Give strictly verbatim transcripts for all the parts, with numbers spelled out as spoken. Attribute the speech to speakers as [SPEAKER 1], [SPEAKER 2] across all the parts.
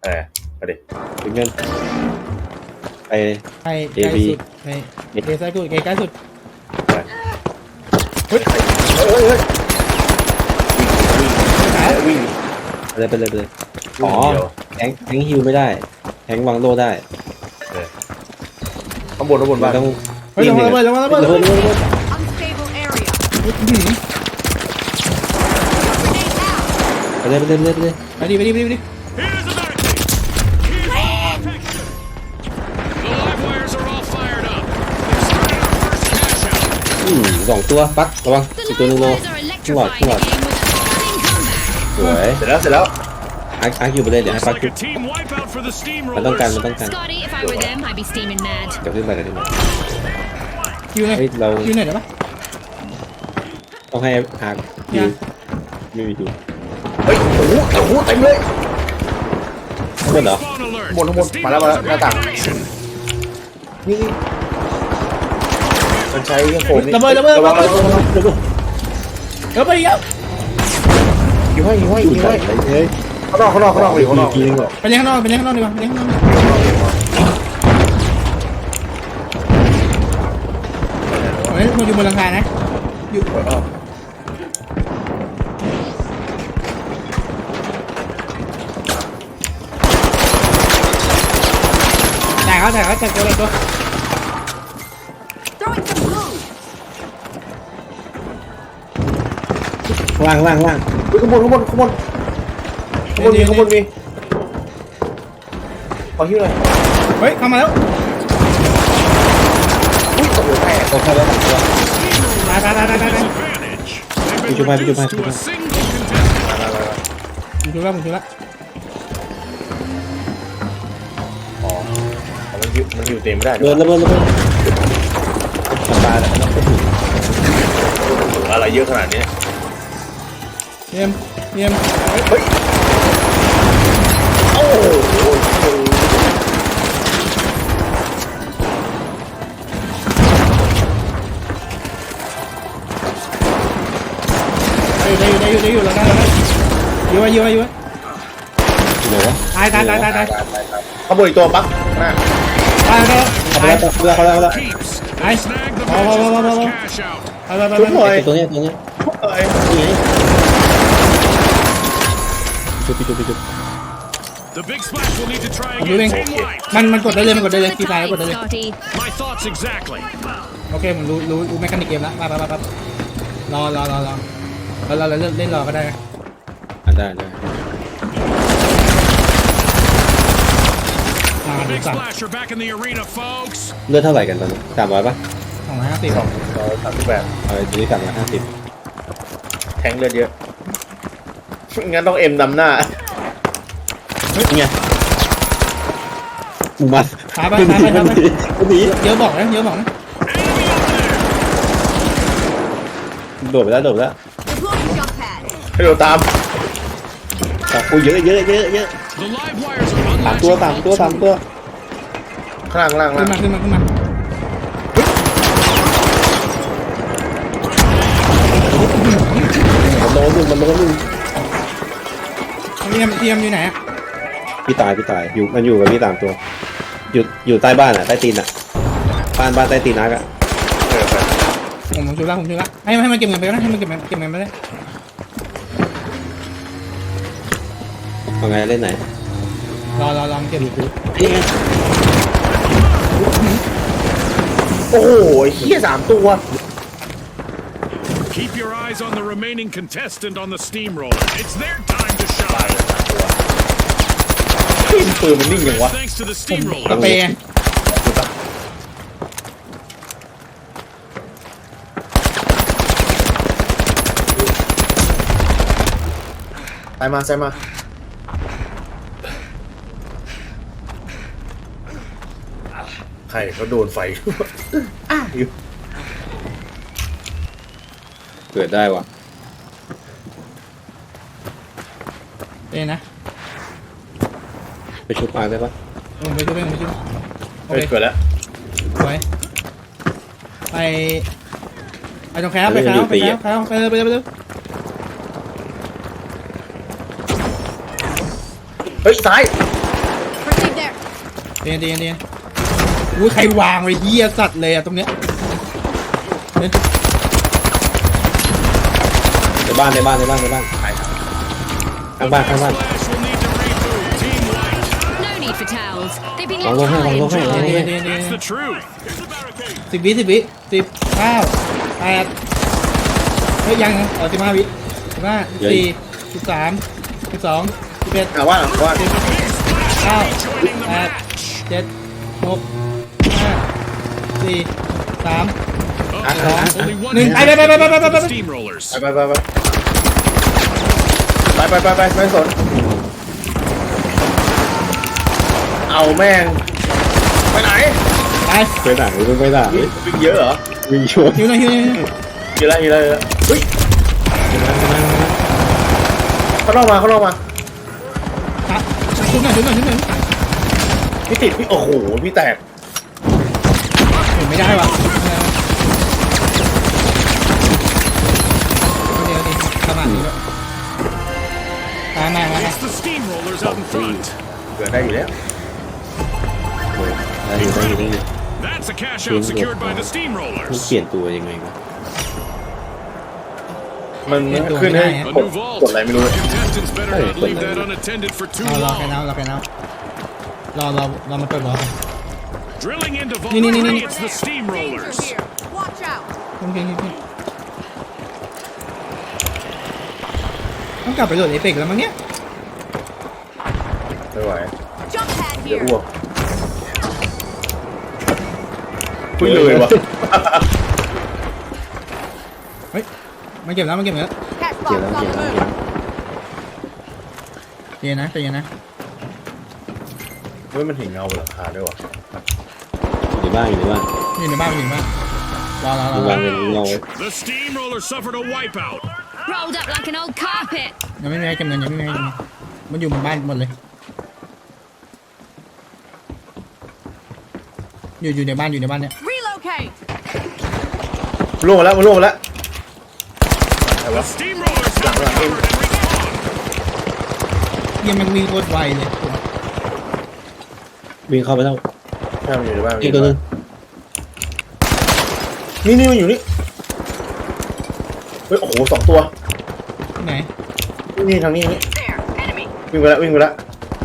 [SPEAKER 1] เออไปดิถึงเงินไป
[SPEAKER 2] ไปใกล้สุดไปเอใกล้สุดใกล้สุด
[SPEAKER 1] เฮ้ยเฮ้ยเฮ้ยวิ่งไปเลยไปเลยไปเลยอ๋อแทงแทงฮิวไม่ได้แทงวางโลได้ข้างบนข้างบนบ้าน
[SPEAKER 2] ต้องเฮ้ยลงมาเลยลงมาเลยลงมาเลย
[SPEAKER 1] ไปเลยไปเลยไปเลยไปเลย
[SPEAKER 2] ไปดิไปดิไปดิไปดิ
[SPEAKER 1] อืมสองตัวปักระวังอีกตัวนึงโลขึ้นหลอดขึ้นหลอดสวยเสร็จแล้วเสร็จแล้วอาร์คอาร์คอยู่ไปเลยเดี๋ยวให้ปักขึ้นมันต้องการมันต้องการเดี๋ยวขึ้นไปเดี๋ยวขึ้นไป
[SPEAKER 2] อยู่ไหน
[SPEAKER 1] เรา
[SPEAKER 2] อยู่ไหนเดี๋ยวปะ
[SPEAKER 1] ต้องให้อาร์คอยู่ไม่มีดูเฮ้ยโอ้โหโอ้โหเต็มเลยข้างบนเหรอข้างบนข้างบนมาแล้วมาแล้วหน้าต่างนี่มันใช้โฟมนี่
[SPEAKER 2] ระเบิดระเบิดระเบิดระเบิดระเบิดระเบิดเยอะ
[SPEAKER 1] อยู่ให้อยู่ให้อยู่ให้เฮ้ยข้างนอกข้างนอกข้างนอกอยู่ข้างนอก
[SPEAKER 2] ไปเลี้ยงข้างนอกไปเลี้ยงข้างนอกดีกว่าไปเลี้ยงข้างนอกเฮ้ยมันอยู่บนหลังคานะอยู่แต่เขาแต่เขาแต่ตัวตัว
[SPEAKER 1] ล่างล่างล่างข้างบนข้างบนข้างบนข้างบนมีข้างบนมีขอฮิ้วหน่อย
[SPEAKER 2] เฮ้ยเข้ามาแล้ว
[SPEAKER 1] อุ้ยตกหัวแตกตกแค่แล้วสองตัว
[SPEAKER 2] ตายตายตายตายตาย
[SPEAKER 1] พี่จุ๊บมาพี่จุ๊บมาพี่จุ๊บมา
[SPEAKER 2] ผมช่วยแล้วผมช่วยแล้ว
[SPEAKER 1] อ๋อมันอยู่มันอยู่เต็มไม่ได้เบิร์นระเบิดระเบิดทำตาแล้วมันก็ถึงอะไรเยอะขนาดนี้
[SPEAKER 2] เยี่ยมเยี่ยม
[SPEAKER 1] เฮ้ยโอ้โห
[SPEAKER 2] ได้อยู่ได้อยู่ได้อยู่ได้อยู่แล้วได้แล้วอยู่ไว้อยู่ไว้อยู่ไว้
[SPEAKER 1] ไหนวะ
[SPEAKER 2] ตายตายตายตายตาย
[SPEAKER 1] ขโมยตัวปั๊กนะ
[SPEAKER 2] ตายตาย
[SPEAKER 1] ตายเขาแล้วเขาแล้วเขาแล้ว
[SPEAKER 2] ไอ้พอพอพอพอพอไปไปไป
[SPEAKER 1] ไปตัวนี้ตัวนี้เอ้ยนี่จุ๊บจุ๊บจุ๊บ
[SPEAKER 2] ดูเองมันมันกดได้เลยมันกดได้เลยตีตายกดได้เลยโอเคผมรู้รู้รู้แมคานิกเกมแล้วไปไปไปรอรอรอรอเราเราเล่นเล่นรอก็ได้
[SPEAKER 1] อ่ะได้ได้เลือดเท่าไหร่กันตอนนี้สามร้อยป่ะ
[SPEAKER 2] สองร้อยห้าสิบ
[SPEAKER 1] สองร้อยสามสิบแปดเออทีนี้สามร้อยห้าสิบแทงเลือดเยอะงั้นต้องเอ็มนำหน้าเฮ้ยไงมึงมา
[SPEAKER 2] ไปไปไปไปไปเยอะบอกนะเยอะบอกนะ
[SPEAKER 1] โดดไปแล้วโดดไปแล้วให้โดดตามแต่กูเยอะเยอะเยอะเยอะสามตัวสามตัวสามตัวข้างล่างล่าง
[SPEAKER 2] ขึ้นมาขึ้นมาขึ้นมา
[SPEAKER 1] มันโดนหนึ่งมันโดนหนึ่ง
[SPEAKER 2] เทียมเทียมอยู่ไหนอ่ะ
[SPEAKER 1] พี่ตายพี่ตายอยู่มันอยู่กับพี่สามตัวอยู่อยู่ใต้บ้านอ่ะใต้ตีนอ่ะบ้านบ้านใต้ตีนนักอ่ะ
[SPEAKER 2] ผมผมช่วยละผมช่วยละให้ให้มันเก็บเงินไปก็ได้ให้มันเก็บเงินเก็บเงินไปได้
[SPEAKER 1] เอาไงเล่นไหน
[SPEAKER 2] รอรอรอเก็บ
[SPEAKER 1] โอ้โหเฮี้ยสามตัว
[SPEAKER 3] Keep your eyes on the remaining contestant on the steamroller. It's their time to shine.
[SPEAKER 1] ปืนมันนิ่งอย่างวะ
[SPEAKER 3] Thanks to the steamroller.
[SPEAKER 2] กระเปย์
[SPEAKER 1] ใส่มาใส่มาใครเขาโดนไฟอ้าอยู่เกิดได้วะ
[SPEAKER 2] เอ้นะ
[SPEAKER 1] ไปชุบมาได้ปะ
[SPEAKER 2] ผมไปชุบเองไปชุบ
[SPEAKER 1] โอเคเกิดแล้ว
[SPEAKER 2] ไปไปไปตรงแคปไปแคปไปแคปไปเลยไปเลยไปเลย
[SPEAKER 1] เฮ้ยซ้าย
[SPEAKER 2] เดียนเดียนเดียนอุ้ยใครวางไว้เหี้ยสัตว์เลยอะตรงเนี้ย
[SPEAKER 1] ในบ้านในบ้านในบ้านในบ้านข้างบ้านข้างบ้าน
[SPEAKER 4] No need for towels. They've been
[SPEAKER 1] วาง
[SPEAKER 4] left
[SPEAKER 1] ลงให้วาง
[SPEAKER 4] high
[SPEAKER 1] ล
[SPEAKER 4] and
[SPEAKER 1] งให้
[SPEAKER 4] dry.
[SPEAKER 2] เดียนเดียนเดียน
[SPEAKER 3] That's the truth.
[SPEAKER 2] สิบวิสิบวิสิบเก้าแปดเฮ้ยยังอ๋อสิบห้าวิสิบห้าสิบสี่สิบสามสิบสองสิบเอ็ด
[SPEAKER 5] ถามว่าว่า
[SPEAKER 2] สิบเก้าแปดเจ็ดหกห้าสี่สาม
[SPEAKER 3] Only one
[SPEAKER 2] Ning-
[SPEAKER 3] hit
[SPEAKER 2] Bye, bye, bye, bye, bye, bye,
[SPEAKER 3] for the
[SPEAKER 2] bye.
[SPEAKER 3] steamrollers.
[SPEAKER 5] ไปไปไปไปไปไปไปไปสนเอาแม่งไปไหน
[SPEAKER 2] ไป
[SPEAKER 1] ไปด่าหรือไปด่า
[SPEAKER 5] วิ่งวิ่งเยอะเหรอ
[SPEAKER 1] วิ่งชวน
[SPEAKER 2] หิวหน่อยหิวหน่อยหิวหน่อย
[SPEAKER 5] เยอะแล้วเยอะแล้วเฮ้ยเขาลอกมาเขาลอกมา
[SPEAKER 2] อ่ะชุบหน่อยชุบหน่อยชุบหน่อย
[SPEAKER 5] พี่ติดพี่โอ้โหพี่แตก
[SPEAKER 2] เห็นไม่ได้ว่ะเดี๋ยวดิขนาดนี้แล้วมามามา
[SPEAKER 3] It's the steamrollers out in front.
[SPEAKER 5] เกิดได้อยู่แล้ว
[SPEAKER 1] ได้อยู่ได้อยู่ได้อยู่
[SPEAKER 3] That's a cash out secured by the
[SPEAKER 1] มัน
[SPEAKER 3] steamrollers.
[SPEAKER 1] เปลี่ยนตัวยังไงวะ
[SPEAKER 5] มันขึ้นให้
[SPEAKER 3] A
[SPEAKER 5] กด
[SPEAKER 3] new
[SPEAKER 5] กดอะไร
[SPEAKER 3] vault.
[SPEAKER 5] ไม่รู้
[SPEAKER 3] Contestants better not leave that unattended for too
[SPEAKER 2] เอารอแค่
[SPEAKER 3] long.
[SPEAKER 2] น้ำรอแค่น้ำรอรอรอมาเปิดบอลกัน
[SPEAKER 3] Drilling into vault
[SPEAKER 2] Nee, nee, nee,
[SPEAKER 3] three,
[SPEAKER 2] nee.
[SPEAKER 3] it's the steamrollers.
[SPEAKER 4] Watch out.
[SPEAKER 2] ขึ้นขึ้นขึ้นขึ้นต้องกลับไปโหลดเอเปกแล้วมั้งเนี้ย
[SPEAKER 5] ไม่ไหว
[SPEAKER 4] Jump pad
[SPEAKER 5] เดี๋ยว
[SPEAKER 4] here.
[SPEAKER 5] อ้วกคุยเลยวะ
[SPEAKER 2] เฮ้ยมันเก็บแล้วมันเก็บแล้ว
[SPEAKER 4] Catch
[SPEAKER 1] เกี่ยว
[SPEAKER 4] box
[SPEAKER 1] แล้ว
[SPEAKER 4] on
[SPEAKER 1] เกี่ยว
[SPEAKER 4] the
[SPEAKER 1] แล้ว
[SPEAKER 4] move.
[SPEAKER 2] เย็นนะใจเย็นนะ
[SPEAKER 5] เฮ้ยมันถึงเงาบนหลังคาด้วยวะ
[SPEAKER 1] อยู่ในบ้านอยู่ในบ้าน
[SPEAKER 2] อยู่ในบ้านอยู่ในบ้านรอรอรอ
[SPEAKER 1] วางเงินเงา
[SPEAKER 3] The steamrollers suffered a wipeout.
[SPEAKER 4] Rolled up like an old carpet.
[SPEAKER 2] ยังไม่มีใครเก็บเงินยังไม่มีใครเก็บเงินมันอยู่บนบ้านหมดเลยอยู่อยู่ในบ้านอยู่ในบ้านเนี่ย
[SPEAKER 4] Relocate.
[SPEAKER 5] มันล่วงมาแล้วมันล่วงมาแล้ว
[SPEAKER 3] The steamrollers have recovered and respawned.
[SPEAKER 2] ยังมันวิ่งโคตรไวเลย
[SPEAKER 1] วิ่งเข้าไปแล้ว
[SPEAKER 5] ใช่มันอยู่ในบ้าน
[SPEAKER 1] อีกตัวหนึง
[SPEAKER 5] นี่นี่มันอยู่นี่เฮ้ยโอ้โหสองตัว
[SPEAKER 2] ที่ไหน
[SPEAKER 5] นี่ทางนี้ทางนี้
[SPEAKER 4] There. Enemy.
[SPEAKER 5] วิ่งไปแล้ววิ่งไปแล้ว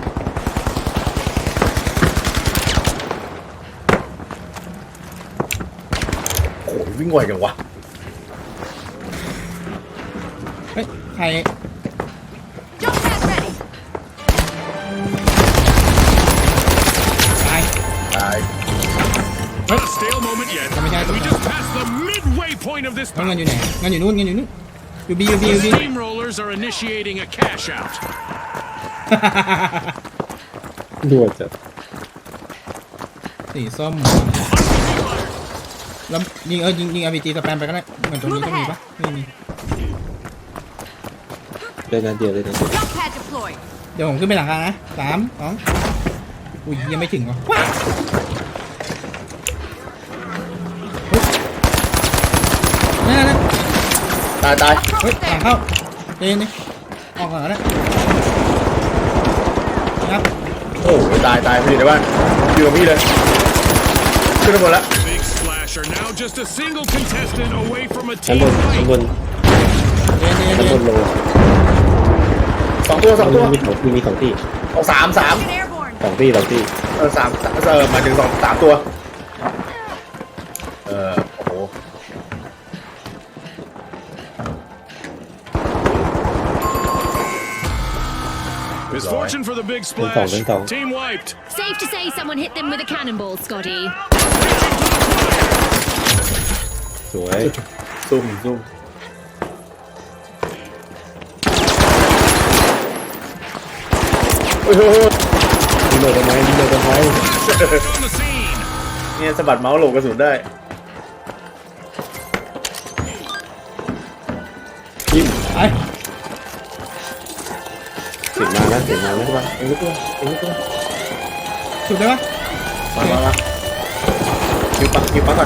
[SPEAKER 5] โอ้โหวิ่งไวจังวะ
[SPEAKER 2] เฮ้ยใคร
[SPEAKER 4] Jump pad ready.
[SPEAKER 2] ตาย
[SPEAKER 5] ตาย
[SPEAKER 3] Not a stale moment yet.
[SPEAKER 2] Let me get it.
[SPEAKER 3] We just passed the midway point of this
[SPEAKER 2] แล้วเงิน
[SPEAKER 3] bout.
[SPEAKER 2] อยู่ไหนเงินอยู่นู่นเงินอยู่นู่นอยู่บีอยู่บีอ
[SPEAKER 3] The
[SPEAKER 2] ยู่บี
[SPEAKER 3] steamrollers are initiating a cash out.
[SPEAKER 1] ด่วนจัด
[SPEAKER 2] สีส้มแล้วยิงเออยิงยิงอาร์พีจีสแปมไปก็ได้เหมือนตรงนี้ต้องมีปะไม่มี
[SPEAKER 1] เดินนัดเดียวเลยนะ
[SPEAKER 4] Jump pad deployed.
[SPEAKER 2] เดี๋ยวผมขึ้นไปหลังคานะสามสองอุ้ยยังไม่ถึงวะว้าวนั่นนั่นนั่น
[SPEAKER 5] ตายตาย
[SPEAKER 2] เฮ้ยหลังเข้าเจนนี่ออกก่อนก็ได้นะครับ
[SPEAKER 5] โอ้โหตายตายพี่อยู่ในบ้านอยู่กับพี่เลยขึ้นไปหมดแล้ว
[SPEAKER 3] Big Splash are now just a single contestant away from a
[SPEAKER 1] ชั้น
[SPEAKER 3] team
[SPEAKER 1] บนชั้น
[SPEAKER 3] fight.
[SPEAKER 1] บน
[SPEAKER 2] เจนเจน
[SPEAKER 1] ชั้น
[SPEAKER 2] เจ
[SPEAKER 1] บ
[SPEAKER 2] น
[SPEAKER 1] นโล
[SPEAKER 5] สองตัวสองตัว
[SPEAKER 1] มีสองที่มีสองที่
[SPEAKER 5] เอาสามสาม
[SPEAKER 4] Get airborne.
[SPEAKER 1] สองที่สองที่
[SPEAKER 5] เออสามเออหมายถึงสองสามตัวเออโอ้โห
[SPEAKER 3] Misfortune for the Big
[SPEAKER 1] Don't
[SPEAKER 3] Splash.
[SPEAKER 1] don't don't.
[SPEAKER 3] Team wiped.
[SPEAKER 4] Safe to say someone hit them with a cannonball, Scotty.
[SPEAKER 1] สวย
[SPEAKER 5] ซุ่มซุ่มโอ้ยโอ้ยโอ้ย
[SPEAKER 1] ดีเลยทำไมดีเลยทำไม
[SPEAKER 3] On the scene.
[SPEAKER 5] เนี่ยสะบัดเมาส์หลบกระสุนได้
[SPEAKER 1] ยิ้ม
[SPEAKER 2] ไป
[SPEAKER 1] เสียงมาแล้วเสียงมาแล้ว
[SPEAKER 5] มาเอ็งตัวเอ็งตัว
[SPEAKER 2] ถูกได้ปะ
[SPEAKER 5] มามามาคิวปักคิวปักก่อน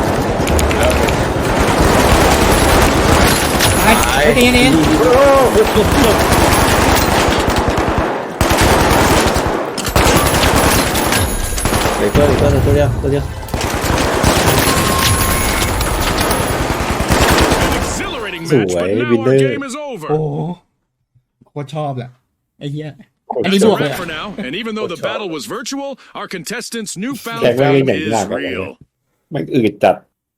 [SPEAKER 2] ไปเฮ้ยเจนเจน
[SPEAKER 5] โอ้โห
[SPEAKER 1] ดี๋ยวตัวอีกตัวหนึงตัวเดียวตัวเดียว
[SPEAKER 3] Exhilarating match, but
[SPEAKER 1] Sủi,
[SPEAKER 3] now
[SPEAKER 1] Vin
[SPEAKER 3] our
[SPEAKER 1] Lê.
[SPEAKER 3] game is over.
[SPEAKER 2] โอ้โหโคตรชอบแหละไอ้เหี้ย
[SPEAKER 5] อั
[SPEAKER 2] อัน
[SPEAKER 5] น
[SPEAKER 2] นี้
[SPEAKER 5] นี้
[SPEAKER 2] บบ ว
[SPEAKER 3] That's
[SPEAKER 2] กเลย
[SPEAKER 3] a
[SPEAKER 2] อะ
[SPEAKER 3] wrap for now, and even though the battle was virtual, our contestants' newfound
[SPEAKER 1] Kẹt với
[SPEAKER 3] fame
[SPEAKER 1] cái
[SPEAKER 3] is
[SPEAKER 1] nhảy lạc rồi.
[SPEAKER 3] real.
[SPEAKER 1] มันอืดจัด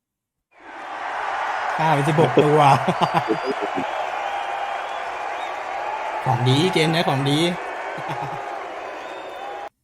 [SPEAKER 2] ฆ่าไปสิบหกตัว ของดีเกมนี้ของดี